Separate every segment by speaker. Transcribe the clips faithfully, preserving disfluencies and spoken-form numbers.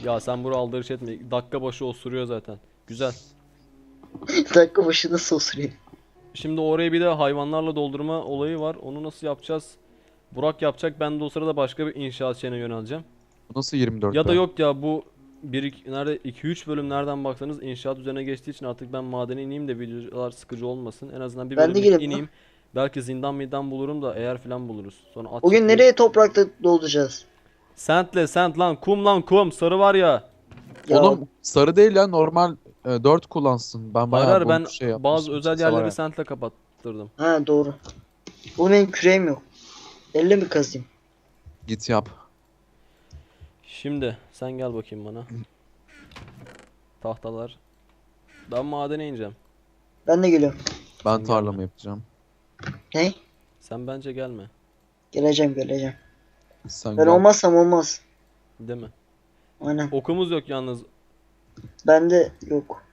Speaker 1: Ya sen bura aldırış etme. Dakika başı osuruyor zaten. Güzel.
Speaker 2: Dakika başı nasıl osuruyor?
Speaker 1: Şimdi oraya bir de hayvanlarla doldurma olayı var. Onu nasıl yapacağız? Burak yapacak. Ben de o sırada başka bir inşaat şeyine yöneleceğim.
Speaker 3: Bu nasıl yirmi dört
Speaker 1: Ya da
Speaker 3: be?
Speaker 1: yok ya bu bir iki, nerede iki üç bölüm nereden baksanız inşaat üzerine geçtiği için artık ben madene ineyim de videolar sıkıcı olmasın. En azından bir
Speaker 2: Ben de
Speaker 1: bölümlük
Speaker 2: geleyim lan.
Speaker 1: ineyim. Belki zindan midan bulurum da eğer filan buluruz. Sonra at
Speaker 2: Bugün
Speaker 1: çiftliği.
Speaker 2: nereye toprakta dolduracağız?
Speaker 1: Sentle sent lan kum lan kum sarı var ya.
Speaker 2: Ya
Speaker 3: Oğlum sarı değil ya, normal e, dört kullansın. Ben
Speaker 1: Hayır
Speaker 3: bayağı
Speaker 1: hayır
Speaker 3: bol
Speaker 1: ben
Speaker 3: şey
Speaker 1: bazı
Speaker 3: yapmışım.
Speaker 1: özel
Speaker 3: Sese var
Speaker 1: yerleri
Speaker 3: ya.
Speaker 1: sentle kapattırdım.
Speaker 2: ha doğru. Bu benim küreğim yok. Elle mi kazayım?
Speaker 3: Git yap.
Speaker 1: Şimdi sen gel bakayım bana. Tahtalar. Ben madene ineceğim.
Speaker 2: Ben de geliyorum.
Speaker 3: Ben
Speaker 1: Sen
Speaker 3: tarlamı
Speaker 1: gelme.
Speaker 3: yapacağım.
Speaker 2: Ne?
Speaker 1: Sen bence gelme.
Speaker 2: Geleceğim geleceğim.
Speaker 3: Sen
Speaker 2: Ben
Speaker 3: gel.
Speaker 2: olmazsam olmaz.
Speaker 1: Değil mi?
Speaker 2: Aynen.
Speaker 1: Okumuz yok yalnız.
Speaker 2: Bende yok.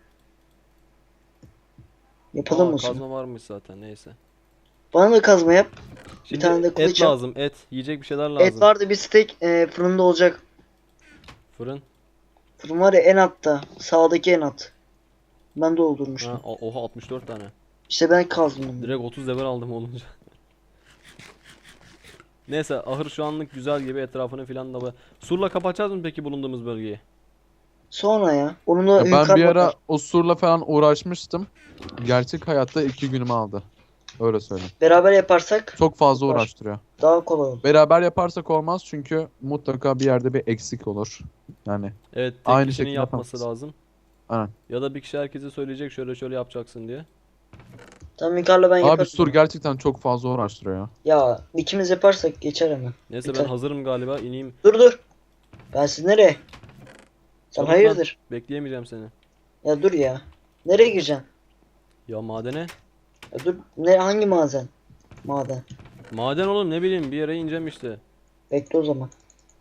Speaker 2: Yapalım
Speaker 1: Aa,
Speaker 2: mı şunu?
Speaker 1: kazma varmış zaten neyse.
Speaker 2: Bana da kazma yap.
Speaker 1: Şimdi
Speaker 2: tane de
Speaker 1: et
Speaker 2: kılıç yap.
Speaker 1: lazım et. Yiyecek bir şeyler lazım.
Speaker 2: Et vardı bir steak e, fırında olacak.
Speaker 1: Fırın.
Speaker 2: Fırın var ya en altta. Sağdaki en alt. Ben doldurmuştum.
Speaker 1: Ha, o- oha altmış dört tane.
Speaker 2: İşte ben kazdım bunu.
Speaker 1: Direkt otuz level aldım olunca. Neyse ahır şu anlık güzel gibi etrafını filan da. Surla kapatacağız mı peki bulunduğumuz bölgeyi?
Speaker 2: Sonra ya. Onunla
Speaker 3: Ya ben
Speaker 2: yukarı
Speaker 3: bir ara
Speaker 2: bakar.
Speaker 3: o surla falan uğraşmıştım. Gerçek hayatta iki günümü aldı. Öyle söyleyeyim.
Speaker 2: Beraber yaparsak
Speaker 3: Çok fazla
Speaker 2: Var.
Speaker 3: uğraştırıyor.
Speaker 2: daha kolay olur.
Speaker 3: Beraber yaparsak olmaz çünkü mutlaka bir yerde bir eksik olur. Yani
Speaker 1: Evet tek
Speaker 3: Aynı
Speaker 1: kişinin
Speaker 3: şekilde
Speaker 1: yapması
Speaker 3: yapamazsın.
Speaker 1: lazım.
Speaker 3: aynen.
Speaker 1: Ya da bir kişi herkese söyleyecek şöyle şöyle yapacaksın diye.
Speaker 2: Tamam yukarıda ben
Speaker 3: Abi
Speaker 2: yaparım.
Speaker 3: sur gerçekten çok fazla uğraştırıyor ya.
Speaker 2: Ya ikimiz yaparsak geçer hemen.
Speaker 1: Neyse
Speaker 2: Biter.
Speaker 1: ben hazırım galiba ineyim.
Speaker 2: Dur dur. Ben siz nereye? Sen
Speaker 1: Çabuk lan,
Speaker 2: hayırdır?
Speaker 1: bekleyemeyeceğim seni.
Speaker 2: Ya dur ya. Nereye gireceksin?
Speaker 1: Ya madene?
Speaker 2: Ya dur. Ne hangi maden? Maden.
Speaker 1: Maden oğlum ne bileyim bir yere ineceğim işte.
Speaker 2: Bekle o zaman.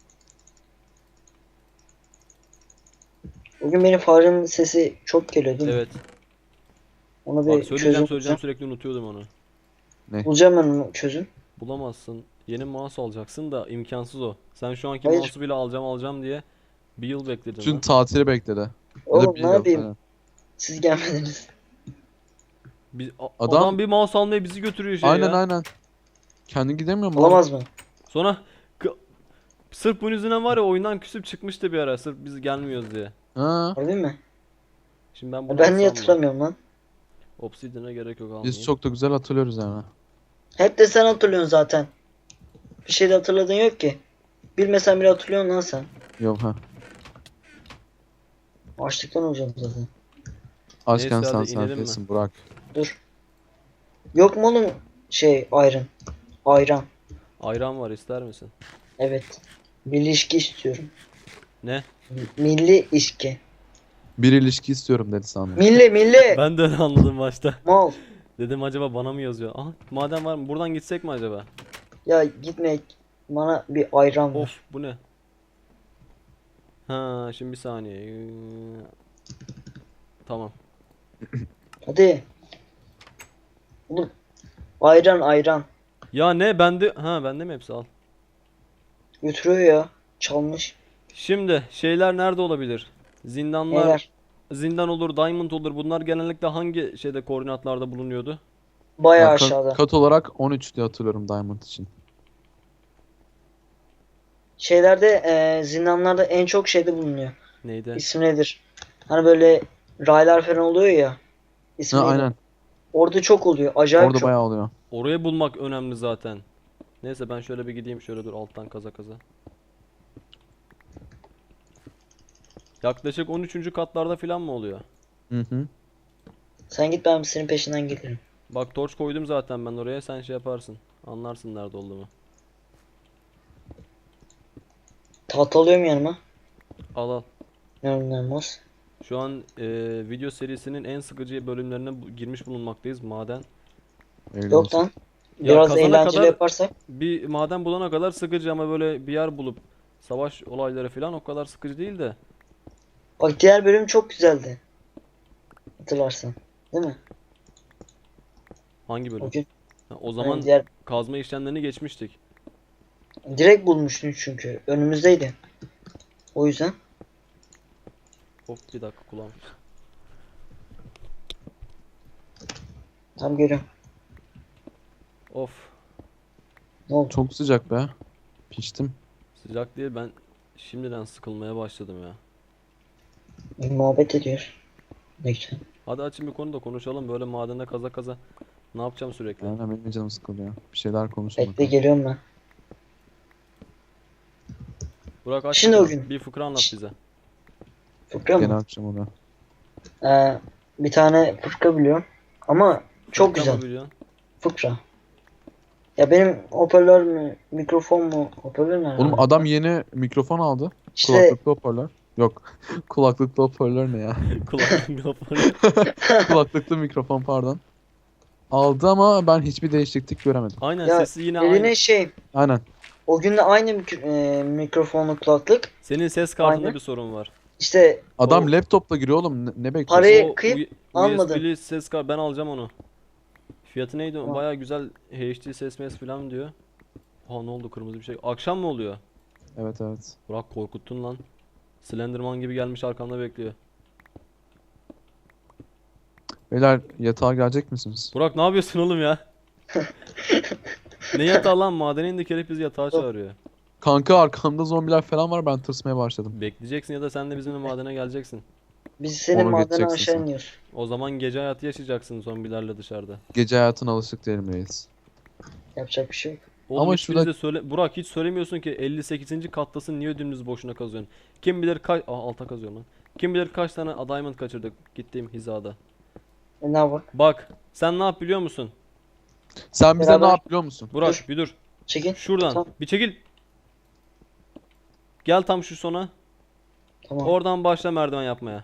Speaker 2: Bugün benim farenin sesi çok geliyor değil mi?
Speaker 1: Evet.
Speaker 2: Ona
Speaker 1: Bak
Speaker 2: bir
Speaker 1: söyleyeceğim
Speaker 2: çözüm
Speaker 1: söyleyeceğim
Speaker 2: bulacağım.
Speaker 1: sürekli unutuyordum onu.
Speaker 2: Bulacağım ben onu çözüm.
Speaker 1: Bulamazsın. Yeni mouse alacaksın da imkansız o. Sen şu anki
Speaker 2: Hayır.
Speaker 1: mouse'u bile alacağım alacağım diye bir yıl bekledin
Speaker 3: Bütün
Speaker 1: lan.
Speaker 3: tatili bekledi. Ya da
Speaker 2: Oğlum
Speaker 3: bir
Speaker 2: ne
Speaker 3: yıl
Speaker 2: yapayım?
Speaker 3: falan.
Speaker 2: Siz gelmediniz.
Speaker 1: Biz, a-
Speaker 3: Adam-
Speaker 1: adam... bir mouse almaya bizi götürüyor şey
Speaker 3: Aynen
Speaker 1: ya.
Speaker 3: aynen. Kendi gidemiyor mu?
Speaker 2: Olamaz mı?
Speaker 1: Sonra k- sırf bunun yüzünden var ya oyundan küsüp çıkmıştı bir ara sırf biz gelmiyoruz diye.
Speaker 3: Ha,
Speaker 2: Harbi mi?
Speaker 1: Şimdi ben
Speaker 2: Ya
Speaker 1: bunu
Speaker 2: ben niye
Speaker 1: alsam mı?
Speaker 2: hatırlamıyorum lan?
Speaker 1: Obsidian'a gerek yok almayayım.
Speaker 3: biz çok da güzel hatırlıyoruz yani.
Speaker 2: Hep de sen hatırlıyorsun zaten. Bir şey de hatırladığın yok ki. Bilmesen bile hatırlıyorsun lan sen.
Speaker 3: Yok ha.
Speaker 2: Açlıktan olacağım zaten.
Speaker 3: Açken
Speaker 1: Neyse,
Speaker 3: sen
Speaker 1: hadi inelim mi?
Speaker 3: sakinsin Burak.
Speaker 2: Dur. Yok mu oğlum şey ayran? Ayran.
Speaker 1: Ayran var ister misin?
Speaker 2: Evet. Milli içki istiyorum.
Speaker 1: Ne?
Speaker 2: Milli içki.
Speaker 3: Bir ilişki istiyorum dedi sandım.
Speaker 2: Milli milli.
Speaker 1: Ben de öyle anladım başta.
Speaker 2: Mal.
Speaker 1: Dedim acaba bana mı yazıyor? Aha maden var mı? Buradan gitsek mi acaba?
Speaker 2: Ya gitme. Bana bir ayran ver.
Speaker 1: Of bu ne? Ha şimdi bir saniye. Ee, Tamam.
Speaker 2: Hadi. Oğlum. Ayran ayran.
Speaker 1: Ya ne bende ha bende mi hepsi al.
Speaker 2: Götürüyor ya. Çalmış.
Speaker 1: Şimdi şeyler nerede olabilir? Zindanlar
Speaker 2: Neler?
Speaker 1: zindan olur, diamond olur. Bunlar genellikle hangi şeyde koordinatlarda bulunuyordu?
Speaker 2: Bayağı
Speaker 3: Ben ka-
Speaker 2: aşağıda.
Speaker 3: kat olarak on üç diye hatırlıyorum Diamond için.
Speaker 2: Şeylerde e, zindanlarda en çok şeyde bulunuyor.
Speaker 1: Neydi?
Speaker 2: İsmi nedir? Hani böyle raylar falan oluyor ya. İsmi
Speaker 3: Ha,
Speaker 2: neydi?
Speaker 3: aynen.
Speaker 2: Orada çok oluyor. Acayip
Speaker 3: Orada
Speaker 2: çok.
Speaker 3: bayağı oluyor.
Speaker 1: Orayı bulmak önemli zaten. Neyse ben şöyle bir gideyim şöyle dur alttan kaza kaza. Yaklaşık on üçüncü katlarda falan mı oluyor?
Speaker 3: Hı hı.
Speaker 2: Sen git ben senin peşinden gelirim.
Speaker 1: Bak torç koydum zaten ben oraya sen şey yaparsın. Anlarsın nerede olduğumu.
Speaker 2: Tahta alıyorum yanıma.
Speaker 1: Al al.
Speaker 2: İnanılmaz.
Speaker 1: Şu an e, video serisinin en sıkıcı bölümlerine bu- girmiş bulunmaktayız. Maden.
Speaker 3: Öyle
Speaker 2: Yok
Speaker 3: olsun.
Speaker 2: lan.
Speaker 1: Ya
Speaker 2: Biraz
Speaker 1: kazana
Speaker 2: eğlenceli
Speaker 1: kadar-
Speaker 2: yaparsak.
Speaker 1: Bir maden bulana kadar sıkıcı ama böyle bir yer bulup savaş olayları falan o kadar sıkıcı değil de.
Speaker 2: Bak diğer bölüm çok güzeldi. Hatırlarsan. Değil mi?
Speaker 1: Hangi bölüm?
Speaker 2: O gün.
Speaker 1: Ha, o
Speaker 2: Hani
Speaker 1: zaman
Speaker 2: diğer
Speaker 1: kazma işlemlerini geçmiştik.
Speaker 2: direkt bulmuştun çünkü. Önümüzdeydi. O yüzden.
Speaker 1: Hop bir dakika kulağım.
Speaker 2: Tam görüyorum.
Speaker 1: Of.
Speaker 2: Ne oldu?
Speaker 3: Çok sıcak be. Piştim.
Speaker 1: Sıcak değil, ben şimdiden sıkılmaya başladım ya.
Speaker 2: Bir muhabbet ediyor. Ne güzel.
Speaker 1: Hadi açın bir konu da konuşalım, böyle madende kaza kaza. Ne yapacağım sürekli?
Speaker 3: Aynen benim de canım sıkılıyor. Bir şeyler konuşalım
Speaker 2: Bekle
Speaker 3: bakalım.
Speaker 2: geliyorum ben.
Speaker 1: Burak aç
Speaker 2: Şimdi o
Speaker 1: bakalım,
Speaker 2: gün.
Speaker 1: bir fıkra anlat bize.
Speaker 2: Fıkra
Speaker 3: Gene
Speaker 2: mı?
Speaker 3: akşam o da.
Speaker 2: Ee, bir tane fıkra biliyorum. Ama çok
Speaker 1: Fıkra
Speaker 2: güzel.
Speaker 1: mı biliyorsun?
Speaker 2: Fıkra. Ya benim hoparlör mü, mikrofon mu? Hoparlör ne?
Speaker 3: Oğlum adam yeni mikrofon aldı.
Speaker 2: İşte
Speaker 3: Kulaklıklı hoparlör. Yok. Kulaklıklı hoparlör ne ya?
Speaker 1: Kulağım kapalı.
Speaker 3: Kulaklıklı mikrofon pardon. Aldı ama ben hiçbir değişiklik göremedim.
Speaker 1: Aynen,
Speaker 2: ya
Speaker 1: sesi yine
Speaker 2: eline
Speaker 1: aynı.
Speaker 2: şey,
Speaker 3: Aynen.
Speaker 2: o gün de aynı mik- e, mikrofonlu kulaklık.
Speaker 1: Senin ses kartında
Speaker 2: Aynen.
Speaker 1: bir sorun var.
Speaker 2: İşte
Speaker 3: Adam
Speaker 1: O-
Speaker 3: laptopla giriyor oğlum. Ne, ne bekliyorsun?
Speaker 2: Parayı
Speaker 1: O
Speaker 2: kıyıp
Speaker 1: U-
Speaker 2: almadın.
Speaker 1: U S B'li ses kart, ben alacağım onu. Fiyatı neydi?
Speaker 2: Tamam.
Speaker 1: Baya güzel H D ses mes falan diyor. Ha, ne oldu, kırmızı bir şey. Akşam mı oluyor?
Speaker 3: Evet evet.
Speaker 1: Burak korkuttun lan. Slenderman gibi gelmiş arkamda bekliyor.
Speaker 3: Beyler yatağa gelecek misiniz?
Speaker 1: Burak ne yapıyorsun oğlum ya? Ne yatağı lan, madene indik herif bizi yatağa çağırıyor.
Speaker 3: Kanka arkamda zombiler falan var, ben tırsmaya başladım.
Speaker 1: Bekleyeceksin ya da sen de bizimle madene geleceksin.
Speaker 2: biz senin
Speaker 3: Onu
Speaker 2: madene
Speaker 3: geçeceksin
Speaker 2: aşağı
Speaker 3: sen.
Speaker 2: iniyoruz.
Speaker 1: O zaman gece hayatı yaşayacaksın zombilerle dışarıda.
Speaker 3: Gece hayatına alışık değilim reis.
Speaker 2: Yapacak bir şey yok.
Speaker 1: Oğlum
Speaker 3: Ama
Speaker 1: hiç
Speaker 3: şurada-
Speaker 1: bize söyle, Burak hiç söylemiyorsun ki elli sekizinci kattasın, niye dümdüz boşuna kazıyorsun? Kim bilir kaç, aa alta kazıyorum lan. Kim bilir kaç tane diamond kaçırdık gittiğim hizada.
Speaker 2: E ne yapalım?
Speaker 1: Bak sen ne yap biliyor musun?
Speaker 3: Sen bize
Speaker 2: Beraber-
Speaker 3: ne yap biliyor musun?
Speaker 1: Burak
Speaker 2: Dur.
Speaker 1: bir dur.
Speaker 2: Çekin.
Speaker 1: Şuradan
Speaker 2: Tamam.
Speaker 1: bir çekil. Gel tam şu sona.
Speaker 2: Tamam.
Speaker 1: Oradan başla merdiven yapmaya.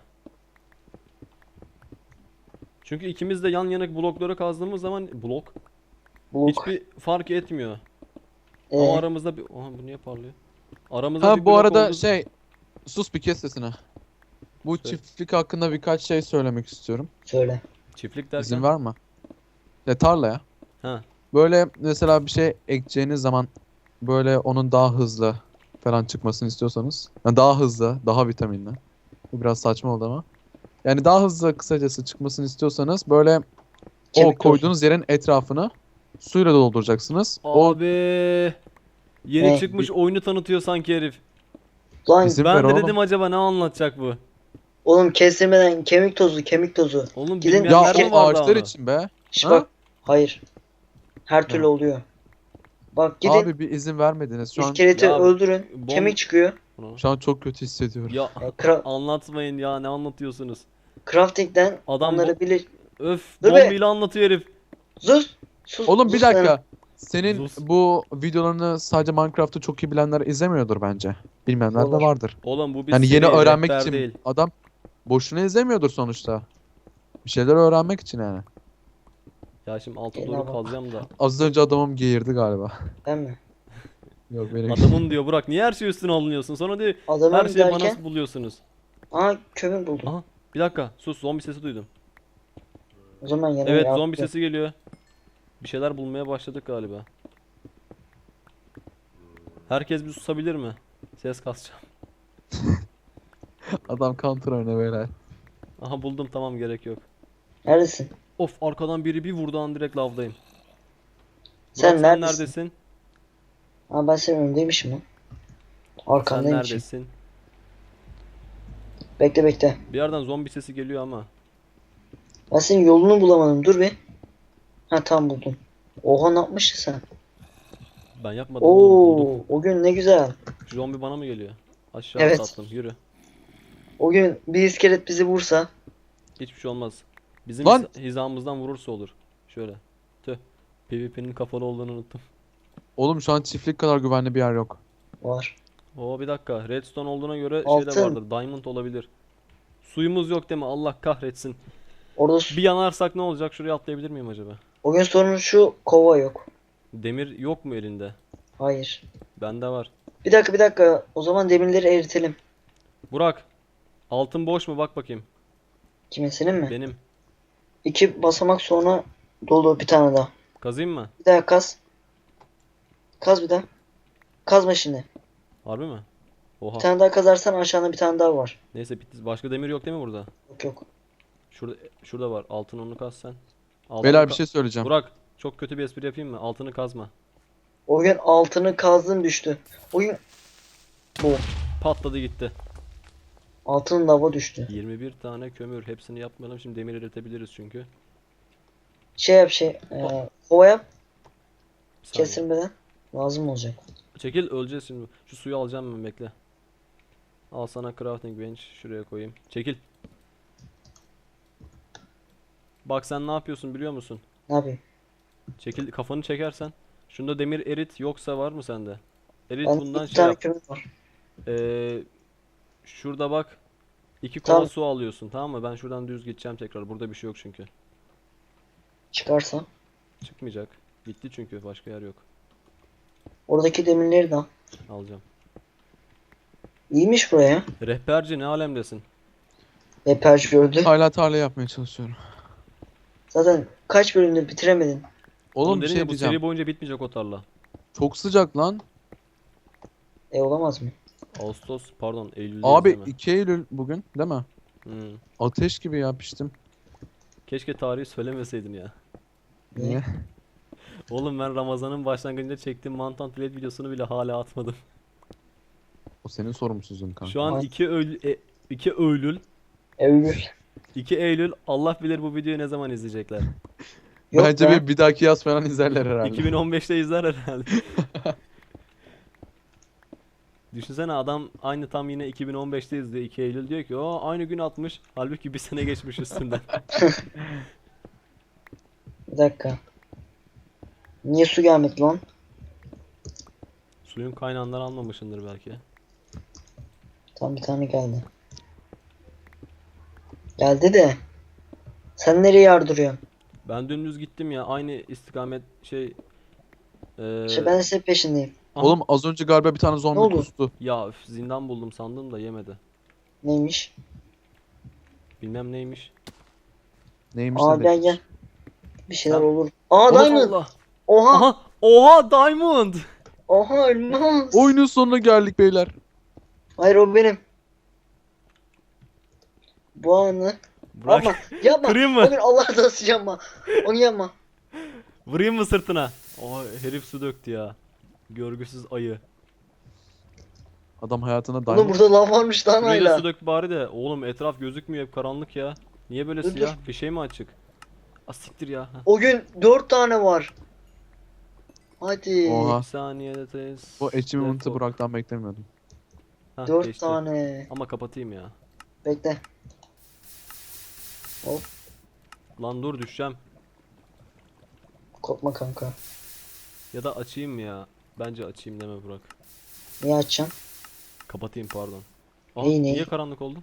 Speaker 1: Çünkü ikimiz de yan yana blokları kazdığımız zaman blok
Speaker 2: Buluk.
Speaker 1: hiçbir fark etmiyor.
Speaker 2: Ee,
Speaker 1: Ama aramızda bir... Aha, bu niye parlıyor? Aramızda
Speaker 3: Ha
Speaker 1: bir
Speaker 3: bu
Speaker 1: blok
Speaker 3: arada
Speaker 1: olduğu-
Speaker 3: şey, sus bir kes sesini. Bu
Speaker 1: Söyle.
Speaker 3: çiftlik hakkında birkaç şey söylemek istiyorum.
Speaker 2: söyle.
Speaker 1: Çiftlik derken...
Speaker 3: İzin var mı? Ya tarla ya.
Speaker 1: Ha.
Speaker 3: Böyle mesela bir şey ekeceğiniz zaman böyle onun daha hızlı falan çıkmasını istiyorsanız. Yani daha hızlı, daha vitaminli. Bu biraz saçma oldu ama. Yani daha hızlı kısacası çıkmasını istiyorsanız böyle o
Speaker 2: Kemik
Speaker 3: koyduğunuz yerin etrafını suyla dolduracaksınız. O
Speaker 1: Abi yeni
Speaker 2: Ne?
Speaker 1: çıkmış oyunu tanıtıyor sanki herif.
Speaker 2: Lan
Speaker 3: Bizim-
Speaker 1: Ben
Speaker 3: ver
Speaker 1: de
Speaker 3: oğlum.
Speaker 1: dedim acaba ne anlatacak bu?
Speaker 2: oğlum kestirmeden kemik tozu, kemik tozu.
Speaker 1: Oğlum
Speaker 2: Gidin-
Speaker 1: bilmeyenler
Speaker 3: ya
Speaker 1: mi
Speaker 3: o
Speaker 1: vardı
Speaker 3: ağaçlar
Speaker 1: onu?
Speaker 3: için be.
Speaker 2: Şş
Speaker 3: Ha?
Speaker 2: bak. Hayır. Her türlü
Speaker 3: Ne?
Speaker 2: oluyor. Bak gidin
Speaker 3: Abi bir izin vermediniz. Şu an
Speaker 2: iskeleti
Speaker 1: Ya,
Speaker 2: öldürün.
Speaker 1: bom-
Speaker 2: Kemik çıkıyor.
Speaker 1: Bunu-
Speaker 3: şu an çok kötü hissediyorum.
Speaker 1: Ya
Speaker 2: Ya, kra-
Speaker 1: anlatmayın ya, ne anlatıyorsunuz?
Speaker 2: crafting'den
Speaker 1: Adam
Speaker 2: onları
Speaker 1: bu-
Speaker 2: bilir.
Speaker 1: Öf,
Speaker 2: Dur be.
Speaker 1: bombiyle anlatıyor herif.
Speaker 2: Sus. Sus.
Speaker 3: Oğlum bir
Speaker 2: sus sen.
Speaker 3: dakika. Senin
Speaker 1: Sus.
Speaker 3: bu videolarını sadece Minecraft'ı çok iyi bilenler izlemiyordur bence. Bilmeyenler de
Speaker 2: Olur.
Speaker 3: vardır.
Speaker 1: Oğlum bu bir
Speaker 3: Yani yeni
Speaker 1: seri,
Speaker 3: öğrenmek
Speaker 1: rehber
Speaker 3: için
Speaker 1: değil.
Speaker 3: adam boşuna izlemiyordur sonuçta. Bir şeyler öğrenmek için yani.
Speaker 1: Ya şimdi alta
Speaker 2: Gel
Speaker 1: doğru
Speaker 2: abi.
Speaker 1: kazacağım da.
Speaker 3: Az önce adamım geğirdi galiba.
Speaker 2: Ben mi?
Speaker 3: Yok benim.
Speaker 1: Adamın diyor Burak, niye her şey üstüne alınıyorsun? Sonra diyor
Speaker 2: Adamın
Speaker 1: her şeyi bana
Speaker 2: derken.
Speaker 1: buluyorsunuz.
Speaker 2: Aa kömür buldum.
Speaker 1: Aha, bir dakika sus, zombi sesi duydum.
Speaker 2: O zaman yanıma
Speaker 1: Evet,
Speaker 2: yaptım.
Speaker 1: zombi sesi geliyor. Bir şeyler bulmaya başladık galiba. Herkes bir susabilir mi? Ses kasacağım.
Speaker 3: Adam counter oynuyor beyler.
Speaker 1: Aha buldum, tamam, gerek yok.
Speaker 2: Neredesin?
Speaker 1: Of, arkadan biri bir vurdu an direkt lavdayım.
Speaker 2: Sen
Speaker 1: Burak,
Speaker 2: neredesin?
Speaker 1: neredesin?
Speaker 2: Aa ben senin önündeymişim lan.
Speaker 1: Sen
Speaker 2: Arkandaymışım.
Speaker 1: neredesin?
Speaker 2: Bekle bekle.
Speaker 1: Bir yerden zombi sesi geliyor ama.
Speaker 2: Ben senin yolunu bulamadım. Dur bir. Ha tam buldum. Oha ne yapmışsın sen?
Speaker 1: Ben yapmadım oğlum, buldum.
Speaker 2: Oo, o gün ne güzel.
Speaker 1: Şu zombi bana mı geliyor? Aşağı
Speaker 2: Evet.
Speaker 1: tatlım, yürü.
Speaker 2: O gün bir iskelet bizi vursa.
Speaker 1: Hiçbir şey olmaz. Bizim
Speaker 3: Lan!
Speaker 1: hiza- hizamızdan vurursa olur. Şöyle. Tüh. PvP'nin kapalı olduğunu unuttum.
Speaker 3: Oğlum şu an çiftlik kadar güvenli bir yer yok.
Speaker 2: Var.
Speaker 1: Oo, bir dakika. Redstone olduğuna göre şey de
Speaker 2: Altın.
Speaker 1: vardır. Diamond olabilir. Suyumuz yok değil mi? Allah kahretsin.
Speaker 2: Orada su-
Speaker 1: Bir yanarsak ne olacak? Şuraya atlayabilir miyim acaba?
Speaker 2: o gün sorun şu kova yok.
Speaker 1: Demir yok mu elinde?
Speaker 2: Hayır.
Speaker 1: Bende var.
Speaker 2: Bir dakika bir dakika. O zaman demirleri eritelim.
Speaker 1: Burak. Altın boş mu? Bak bakayım.
Speaker 2: Kimin senin mi?
Speaker 1: Benim.
Speaker 2: İki basamak sonra dolu bir tane daha.
Speaker 1: Kazayım mı?
Speaker 2: Bir daha kaz. Kaz bir daha. Kazma şimdi.
Speaker 1: Harbi mi? Oha.
Speaker 2: Bir tane daha kazarsan aşağıda bir tane daha var.
Speaker 1: Neyse bitti. Başka demir yok değil mi burada?
Speaker 2: Yok yok.
Speaker 1: Şurada şurada var. Altın onu kaz sen. Altını
Speaker 3: Beyler bir
Speaker 1: ka-
Speaker 3: şey söyleyeceğim.
Speaker 1: Burak, çok kötü bir espri yapayım mı? Altını kazma.
Speaker 2: O gün altını kazdın düştü. O gün bu.
Speaker 1: Patladı gitti.
Speaker 2: Altın lava düştü.
Speaker 1: yirmi bir tane kömür. Hepsini yapmayalım. Şimdi demir üretebiliriz çünkü.
Speaker 2: Şey yap şey. E, kova yap.
Speaker 1: Bir saniye.
Speaker 2: Kesilmeden. Lazım olacak.
Speaker 1: Çekil, öleceğiz şimdi. Şu suyu alacağım ben, bekle. Al sana crafting bench. Şuraya koyayım. Çekil. Bak sen ne yapıyorsun biliyor musun?
Speaker 2: Ne yapayım?
Speaker 1: Çekil, kafanı çekersen. Şunda demir erit yoksa var mı sende? Erit
Speaker 2: Ben
Speaker 1: bundan
Speaker 2: iki
Speaker 1: şey
Speaker 2: tane
Speaker 1: yap.
Speaker 2: kömür var.
Speaker 1: Ee, şurada bak. iki kova
Speaker 2: Tamam.
Speaker 1: su alıyorsun, tamam mı? Ben şuradan düz gideceğim tekrar. Burada bir şey yok çünkü.
Speaker 2: Çıkarsa.
Speaker 1: Çıkmayacak. Gitti çünkü, başka yer yok.
Speaker 2: Oradaki demirleri de al.
Speaker 1: Alacağım.
Speaker 2: İyiymiş buraya.
Speaker 1: Rehberci ne alemdesin?
Speaker 2: Eperci gördü.
Speaker 3: Hala tarla yapmaya çalışıyorum.
Speaker 2: Zaten kaç bölümde bitiremedin.
Speaker 3: Oğlum bir
Speaker 1: dedin
Speaker 3: şey
Speaker 1: ya, bu
Speaker 3: diyeceğim.
Speaker 1: seri boyunca bitmeyecek o tarla.
Speaker 3: Çok sıcak lan.
Speaker 2: E olamaz mı?
Speaker 1: Ağustos, pardon, Eylül'deyiz
Speaker 3: Abi
Speaker 1: değil mi?
Speaker 3: iki Eylül bugün değil mi?
Speaker 1: Hmm.
Speaker 3: Ateş gibi ya piştim.
Speaker 1: Keşke tarihi söylemeseydin ya.
Speaker 3: Niye?
Speaker 1: Oğlum ben Ramazan'ın başlangıcında çektiğim mantan plate videosunu bile hala atmadım.
Speaker 3: O senin sorumsuzluğun kanka.
Speaker 1: Şu an
Speaker 2: Ay.
Speaker 1: iki Eylül, e, iki Eylül,
Speaker 2: Eylül.
Speaker 1: iki Eylül, Allah bilir bu videoyu ne zaman izleyecekler.
Speaker 2: Yok
Speaker 3: Bence
Speaker 2: be.
Speaker 3: bir, bir dahaki yaz falan izlerler herhalde.
Speaker 1: iki bin on beşte izler herhalde. Düşünsene, adam aynı tam yine iki bin on beşte izliyor, iki Eylül, diyor ki o aynı gün atmış. Halbuki bir sene geçmiş üstünden.
Speaker 2: Bir dakika. Niye su gelmedi lan?
Speaker 1: Suyun kaynağından almamışındır belki.
Speaker 2: Tam bir tane geldi. Geldi de. Sen nereye yardırıyorsun?
Speaker 1: Ben dümdüz gittim ya, aynı istikamet şey. Eee
Speaker 2: İşte ben de senin peşindeyim.
Speaker 1: aha,
Speaker 3: Oğlum az önce galiba bir tane zombi
Speaker 2: Ne oldu?
Speaker 3: kustu.
Speaker 1: ya üf, zindan buldum sandım da yemedi.
Speaker 2: Neymiş?
Speaker 1: Bilmem neymiş.
Speaker 3: Neymiş
Speaker 2: Aa
Speaker 3: ne
Speaker 2: gel
Speaker 3: demek?
Speaker 2: gel. Bir şeyler
Speaker 1: Sen-
Speaker 2: olur. Aa
Speaker 1: Allah
Speaker 2: diamond.
Speaker 1: Allah.
Speaker 2: Oha.
Speaker 1: Aha, oha diamond.
Speaker 2: Oha elmas.
Speaker 3: Oyunun sonuna geldik beyler.
Speaker 2: Hayır o benim. Bu anı.
Speaker 1: Bırak.
Speaker 2: Yapma. Yapma.
Speaker 1: Kırayım mı?
Speaker 2: O gün Allah razı yapma. Onu yapma.
Speaker 1: Vurayım mı sırtına? Oha, herif su döktü ya. Görgüsüz ayı.
Speaker 3: Adam hayatına
Speaker 2: Oğlum
Speaker 3: diamond.
Speaker 2: burada lav varmış lan
Speaker 1: Şuraya da
Speaker 2: hala.
Speaker 1: su dök bari de. Oğlum etraf gözükmüyor, hep karanlık ya. Niye böyle
Speaker 2: Dur,
Speaker 1: siyah? Bir şey mi açık? Asiktir ya. Heh.
Speaker 2: O gün dört tane var. Hadi.
Speaker 3: Oha.
Speaker 1: Bir saniyede tez.
Speaker 3: Bu achievement'ı
Speaker 1: Defol.
Speaker 3: Burak'tan beklemiyordum.
Speaker 1: Hah,
Speaker 2: Dört
Speaker 1: geçti.
Speaker 2: tane.
Speaker 1: Ama kapatayım ya.
Speaker 2: Bekle.
Speaker 1: Lan dur, düşeceğim.
Speaker 2: Korkma kanka.
Speaker 1: Ya da açayım mı ya? Bence açayım deme Burak.
Speaker 2: Niye açacaksın?
Speaker 1: Kapatayım, pardon. Aa,
Speaker 2: Neyi, neyi?
Speaker 1: niye karanlık oldu?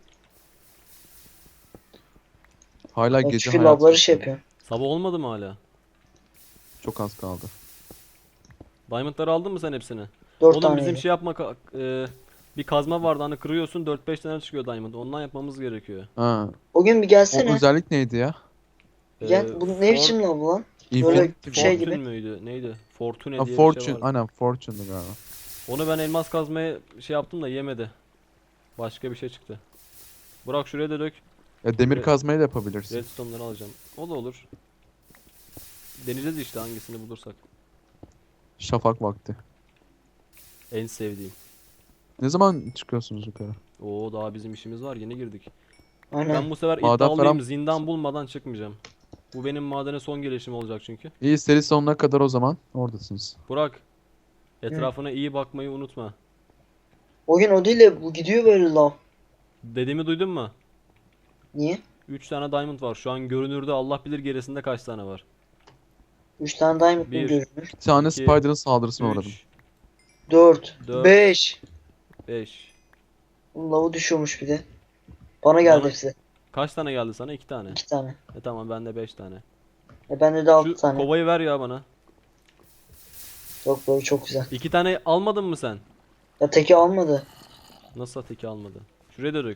Speaker 3: Hala
Speaker 2: Bak
Speaker 3: gece
Speaker 2: çünkü
Speaker 3: hayatı
Speaker 2: lavları şey
Speaker 3: yaşıyorum.
Speaker 2: yapıyor.
Speaker 1: Sabah olmadı mı hala?
Speaker 3: Çok az kaldı.
Speaker 1: Diamondları aldın mı sen hepsini?
Speaker 2: Dört
Speaker 1: Oğlum
Speaker 2: tane.
Speaker 1: bizim şey yapmak e, bir kazma vardı, hani kırıyorsun dört beş tane çıkıyor diamond. Ondan yapmamız gerekiyor.
Speaker 3: Ha.
Speaker 2: O gün bir
Speaker 3: O
Speaker 2: gelsene.
Speaker 3: özellik neydi ya?
Speaker 2: Gel.
Speaker 1: Ee,
Speaker 2: Bu ne
Speaker 1: For-
Speaker 2: biçim lav lan?
Speaker 3: Infinity mi?
Speaker 2: şey
Speaker 1: Fortune
Speaker 2: gibi.
Speaker 1: müydü? Neydi? Fortune
Speaker 3: Ha,
Speaker 1: diye bir
Speaker 3: Fortune.
Speaker 1: şey vardı.
Speaker 3: Aynen Fortune'du galiba.
Speaker 1: Onu ben elmas kazmaya şey yaptım da yemedi. Başka bir şey çıktı. Burak şuraya da dök.
Speaker 3: Ya demir
Speaker 1: Evet.
Speaker 3: kazmayı da yapabilirsin.
Speaker 1: Redstone'ları alacağım. O da olur. Deneyeceğiz işte hangisini bulursak.
Speaker 3: Şafak vakti.
Speaker 1: En sevdiğim.
Speaker 3: Ne zaman çıkıyorsunuz yukarı?
Speaker 1: Oo, daha bizim işimiz var, yeni girdik.
Speaker 2: Aynen.
Speaker 1: Ben bu sefer
Speaker 3: Maden
Speaker 1: iddialıyım,
Speaker 3: falan-
Speaker 1: zindan bulmadan çıkmayacağım. Bu benim madene son gelişim olacak çünkü.
Speaker 3: İyi, seri sonuna kadar o zaman oradasınız.
Speaker 1: Burak, etrafına iyi bakmayı unutma.
Speaker 2: O gün o değil de bu gidiyor böyle lav.
Speaker 1: Dediğimi duydun mu?
Speaker 2: Niye?
Speaker 1: üç tane diamond var. Şu an görünürde, Allah bilir gerisinde kaç tane var.
Speaker 2: Üç tane diamond mı
Speaker 1: Bir.
Speaker 2: görünür?
Speaker 3: Bir tane
Speaker 1: İki,
Speaker 3: Spider'ın saldırısına uğradım.
Speaker 1: üç,
Speaker 2: Dört.
Speaker 1: Dört.
Speaker 2: Beş.
Speaker 1: beş.
Speaker 2: Oğlum lavı düşüyormuş bir de. Bana geldi
Speaker 1: Bana-
Speaker 2: hepsi.
Speaker 1: Kaç tane geldi sana? iki tane.
Speaker 2: İki tane.
Speaker 1: E tamam, bende beş tane.
Speaker 2: E bende de altı
Speaker 1: Şu
Speaker 2: tane.
Speaker 1: kovayı ver ya bana.
Speaker 2: Yok böyle çok güzel.
Speaker 1: İki tane almadın mı sen?
Speaker 2: Ya teki almadı.
Speaker 1: Nasıl teki almadı? Şuraya da dök.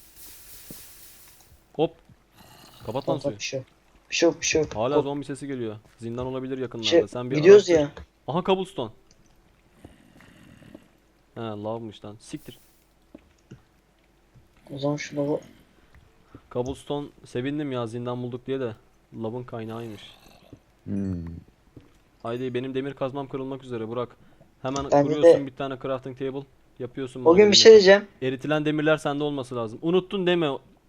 Speaker 1: Hop. Kapat lan
Speaker 2: Tamam,
Speaker 1: suyu.
Speaker 2: bir şey yok. Bir şey yok bir şey yok.
Speaker 1: Hala
Speaker 2: Kop-
Speaker 1: zombi sesi geliyor. Zindan olabilir yakınlarda.
Speaker 2: şey,
Speaker 1: Sen bir
Speaker 2: gidiyoruz
Speaker 1: araştır.
Speaker 2: ya.
Speaker 1: Aha, cobblestone. He, lavmış lan. Siktir.
Speaker 2: O zaman şu lava...
Speaker 1: Cobblestone sevindim ya, zindan bulduk diye de. Lavın kaynağıymış.
Speaker 3: Hmm.
Speaker 1: Haydi, benim demir kazmam kırılmak üzere Burak. Hemen
Speaker 2: Bende
Speaker 1: kuruyorsun
Speaker 2: de-
Speaker 1: bir tane crafting table. Yapıyorsun
Speaker 2: O gün bir
Speaker 1: madenini.
Speaker 2: şey diyeceğim.
Speaker 1: Eritilen demirler sende olması lazım. Unuttun deme.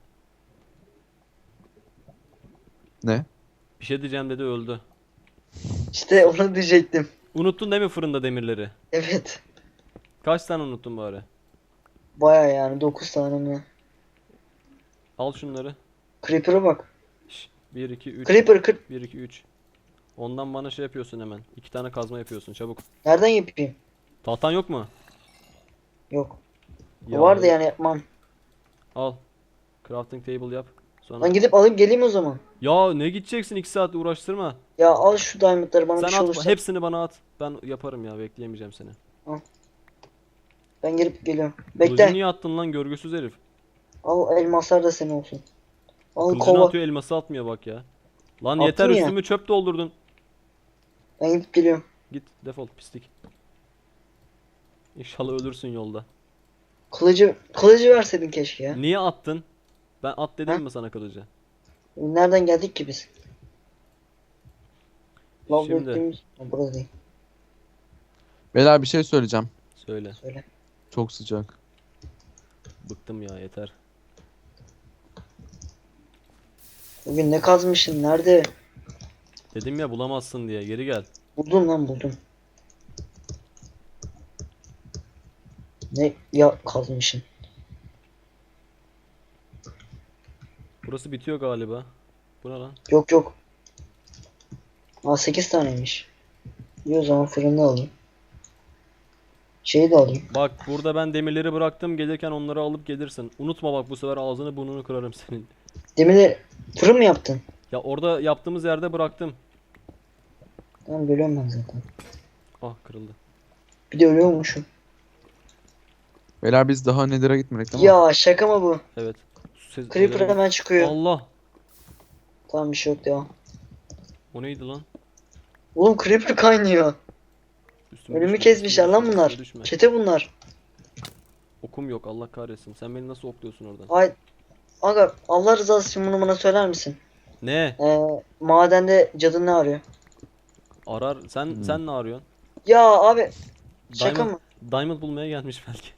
Speaker 3: Ne?
Speaker 1: Bir şey diyeceğim dedi, öldü.
Speaker 2: İşte onu diyecektim.
Speaker 1: Unuttun değil mi fırında demirleri?
Speaker 2: Evet.
Speaker 1: Kaç tane unuttun bari?
Speaker 2: Baya yani dokuz tane mi?
Speaker 1: Al şunları.
Speaker 2: Creeper'a bak.
Speaker 1: bir iki üç.
Speaker 2: Creeper kır...
Speaker 1: bir iki üç. Ondan bana şey yapıyorsun hemen. iki tane kazma yapıyorsun çabuk.
Speaker 2: Nereden yapayım?
Speaker 1: Tahtan yok mu?
Speaker 2: Yok.
Speaker 1: Ya,
Speaker 2: Vardı yani yapmam.
Speaker 1: al. Crafting table yap. Sonra.
Speaker 2: Ben gidip alayım geleyim o zaman.
Speaker 1: Ya ne gideceksin, iki saat uğraştırma.
Speaker 2: Ya al şu diamondları bana
Speaker 1: Sen
Speaker 2: bir şey
Speaker 1: at,
Speaker 2: olursa.
Speaker 1: hepsini bana at. Ben yaparım ya, bekleyemeyeceğim seni.
Speaker 2: Ben gelip geliyorum.
Speaker 1: Kılıcı
Speaker 2: Bekle.
Speaker 1: niye attın lan, görgüsüz herif?
Speaker 2: Al elmaslar da senin olsun. Al
Speaker 1: Kılıcını
Speaker 2: kova.
Speaker 1: atıyor, elması atmıyor bak ya. Lan
Speaker 2: Attım
Speaker 1: yeter,
Speaker 2: ya.
Speaker 1: üstümü çöp doldurdun.
Speaker 2: Ben gidip geliyorum.
Speaker 1: Git defol pislik. İnşallah ölürsün yolda.
Speaker 2: Kılıcı kılıcı verseydin keşke ya.
Speaker 1: Niye attın? Ben at dedim
Speaker 2: Ha?
Speaker 1: mi sana kılıcı?
Speaker 2: Nereden geldik ki biz? Lav
Speaker 1: Şimdi
Speaker 2: döktüğümüz... Ha, burada değil.
Speaker 3: Beyler bir şey söyleyeceğim.
Speaker 1: söyle.
Speaker 2: Söyle.
Speaker 3: Çok sıcak.
Speaker 1: Bıktım ya, yeter.
Speaker 2: Bugün ne kazmışsın? Nerede?
Speaker 1: Dedim ya bulamazsın diye, geri gel.
Speaker 2: Buldum lan buldum. Ne ya kazmışsın?
Speaker 1: Burası bitiyor galiba. Bu ne lan?
Speaker 2: Yok yok. Aa sekiz taneymiş. İyi o zaman fırını alayım. Şeyi de alayım.
Speaker 1: Bak burada ben demirleri bıraktım, gelirken onları alıp gelirsin. Unutma bak, bu sefer ağzını burnunu kırarım senin.
Speaker 2: Demirleri fırın mı yaptın?
Speaker 1: Ya orada yaptığımız yerde bıraktım.
Speaker 2: Tamam görüyorum ben zaten.
Speaker 1: Ah, kırıldı.
Speaker 2: Bir de ölüyormuşum.
Speaker 3: Beyler biz daha Nether'a gitmedik ama.
Speaker 2: Ya şaka mı bu?
Speaker 1: Evet. Su ses-
Speaker 2: Creeper
Speaker 1: şeyleri-
Speaker 2: hemen çıkıyor.
Speaker 1: Allah.
Speaker 2: Tamam bir şey yok devam.
Speaker 1: O neydi lan?
Speaker 2: Oğlum Creeper kaynıyor.
Speaker 1: Üstüme
Speaker 2: Önümü
Speaker 1: düşme,
Speaker 2: kesmişler
Speaker 1: üstüme
Speaker 2: lan
Speaker 1: düşme,
Speaker 2: bunlar.
Speaker 1: üstüme düşme.
Speaker 2: Çete bunlar.
Speaker 1: Okum yok, Allah kahretsin. Sen beni nasıl okluyorsun oradan?
Speaker 2: Ay aga Allah rızası için bunu bana söyler misin?
Speaker 1: Ne?
Speaker 2: Ee, madende cadı ne arıyor?
Speaker 1: Arar. Sen
Speaker 3: Hmm.
Speaker 1: sen ne arıyorsun?
Speaker 2: Ya abi şaka
Speaker 1: Diamond,
Speaker 2: mı?
Speaker 1: Diamond bulmaya gelmiş belki.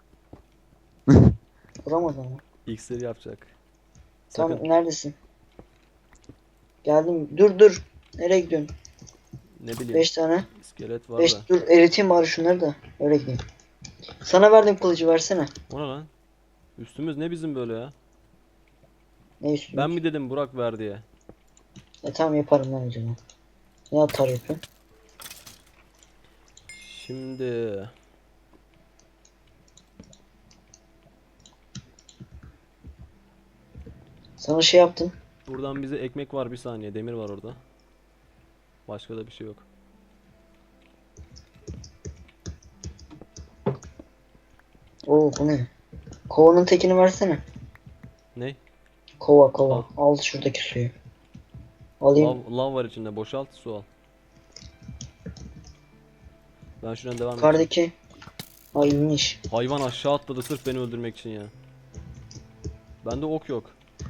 Speaker 2: Vuramadım ama.
Speaker 1: İksir yapacak.
Speaker 2: Tam
Speaker 1: Sakın.
Speaker 2: neredesin? Geldim. Dur dur. Nereye gidiyorsun?
Speaker 1: Ne bileyim.
Speaker 2: beş tane.
Speaker 1: İskelet var
Speaker 2: beş
Speaker 1: da.
Speaker 2: dur eriteyim bari şunları da. Öyle gideyim. Sana verdim kılıcı versene.
Speaker 1: O ne lan? Üstümüz ne bizim böyle ya?
Speaker 2: Ne üstüne?
Speaker 1: Ben mi dedim Burak ver diye?
Speaker 2: E tamam yaparım ben o zaman. Ne atar yapıyorsun?
Speaker 1: Şimdi
Speaker 2: Sana şey yaptım.
Speaker 1: buradan bize ekmek var, bir saniye. Demir var orada. Başka da bir şey yok.
Speaker 2: Oo bu ne? Kovanın tekini versene.
Speaker 1: Ne?
Speaker 2: Kova kova.
Speaker 1: Al.
Speaker 2: Al şuradaki suyu. Alayım.
Speaker 1: Lav, lav var içinde. Boşalt, su al. Ben şuradan devam edeyim.
Speaker 2: Yukarıdaki. Ay iyiymiş.
Speaker 1: Hayvan aşağı atladı sırf beni öldürmek için ya. Bende ok yok.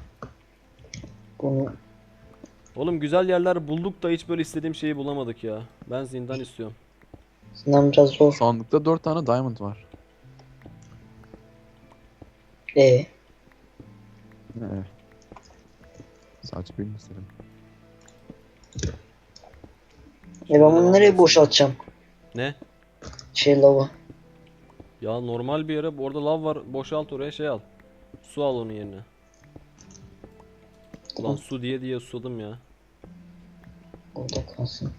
Speaker 2: Bunu
Speaker 1: Oğlum güzel yerler bulduk da hiç böyle istediğim şeyi bulamadık ya. Ben zindan istiyorum.
Speaker 2: sizden biraz zor.
Speaker 3: Sandıkta dört tane diamond var.
Speaker 2: Ee,
Speaker 3: Ne? Sadece birini istedim.
Speaker 2: e ben bunu nereye boşaltacağım?
Speaker 1: Ne?
Speaker 2: Şey lava.
Speaker 1: Ya normal bir yere, orada lav var, boşalt oraya, şey al. Su al onun yerine. Ulan
Speaker 2: Tamam.
Speaker 1: su diye diye susadım ya.
Speaker 2: Orada kalsın.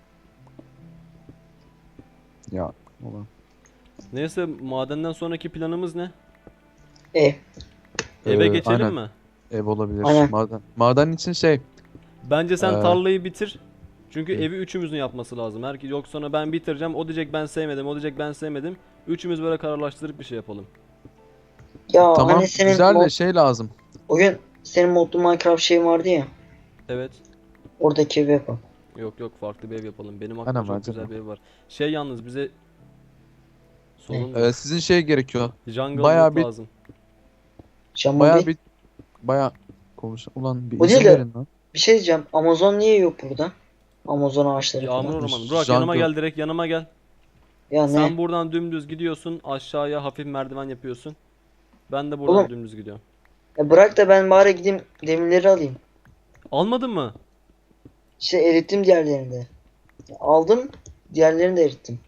Speaker 3: Ya ulan.
Speaker 1: Neyse, madenden sonraki planımız ne?
Speaker 2: E,
Speaker 1: Eve
Speaker 3: Ee,
Speaker 1: geçelim
Speaker 3: aynen.
Speaker 1: mi?
Speaker 3: Ev olabilir.
Speaker 2: Aynen.
Speaker 3: Maden. Maden için şey.
Speaker 1: Bence sen
Speaker 3: Ee,
Speaker 1: tarlayı bitir. Çünkü
Speaker 3: Hı.
Speaker 1: evi üçümüzün yapması lazım. Herkes yok, sonra ben bitireceğim. O diyecek ben sevmedim, o diyecek ben sevmedim. Üçümüz böyle kararlaştırıp bir şey yapalım.
Speaker 2: ya
Speaker 3: Tamam
Speaker 2: hani senin
Speaker 3: güzel de
Speaker 2: mod,
Speaker 3: şey lazım.
Speaker 2: o gün senin modlu Minecraft şeyin vardı ya.
Speaker 1: Evet.
Speaker 2: Oradaki evi yapalım.
Speaker 1: Yok yok, farklı bir ev yapalım. Benim
Speaker 3: Aynen,
Speaker 1: aklımda çok
Speaker 3: bence
Speaker 1: güzel
Speaker 3: de.
Speaker 1: bir ev var. Şey yalnız bize sorun
Speaker 3: Ee,
Speaker 1: yok.
Speaker 3: sizin şey gerekiyor.
Speaker 1: Jungle
Speaker 3: bayağı
Speaker 1: loot
Speaker 3: bir-
Speaker 1: lazım.
Speaker 2: Can
Speaker 3: Baya
Speaker 2: mobil.
Speaker 3: bir baya konuş. Ulan bir
Speaker 2: O
Speaker 3: izin
Speaker 2: değil de-
Speaker 3: verin lan.
Speaker 2: Bir şey diyeceğim. Amazon niye yok burada? Amazon ağaçları
Speaker 1: Yağmur
Speaker 2: falan.
Speaker 1: ormanı. Burak yanıma
Speaker 3: Jungle.
Speaker 1: gel, direkt yanıma gel.
Speaker 2: Ya
Speaker 1: Sen
Speaker 2: ne?
Speaker 1: buradan dümdüz gidiyorsun. Aşağıya hafif merdiven yapıyorsun. Ben de buradan
Speaker 2: Oğlum.
Speaker 1: dümdüz gidiyorum.
Speaker 2: Ya bırak da ben bari gideyim demirleri alayım.
Speaker 1: Almadın mı?
Speaker 2: İşte erittim diğerlerini de. Ya aldım. Diğerlerini de erittim.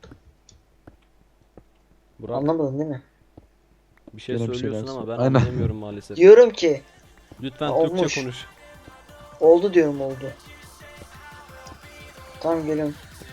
Speaker 1: Burak
Speaker 2: Anlamadın değil mi?
Speaker 1: bir şey
Speaker 3: Yine bir
Speaker 1: söylüyorsun
Speaker 3: şeyler
Speaker 1: ama
Speaker 3: sor-
Speaker 1: ben
Speaker 3: Aynen.
Speaker 1: anlayamıyorum maalesef.
Speaker 2: Diyorum ki
Speaker 1: Lütfen
Speaker 2: Ya
Speaker 1: Türkçe
Speaker 2: olmuş.
Speaker 1: konuş.
Speaker 2: oldu diyorum oldu. Tamam geliyorum.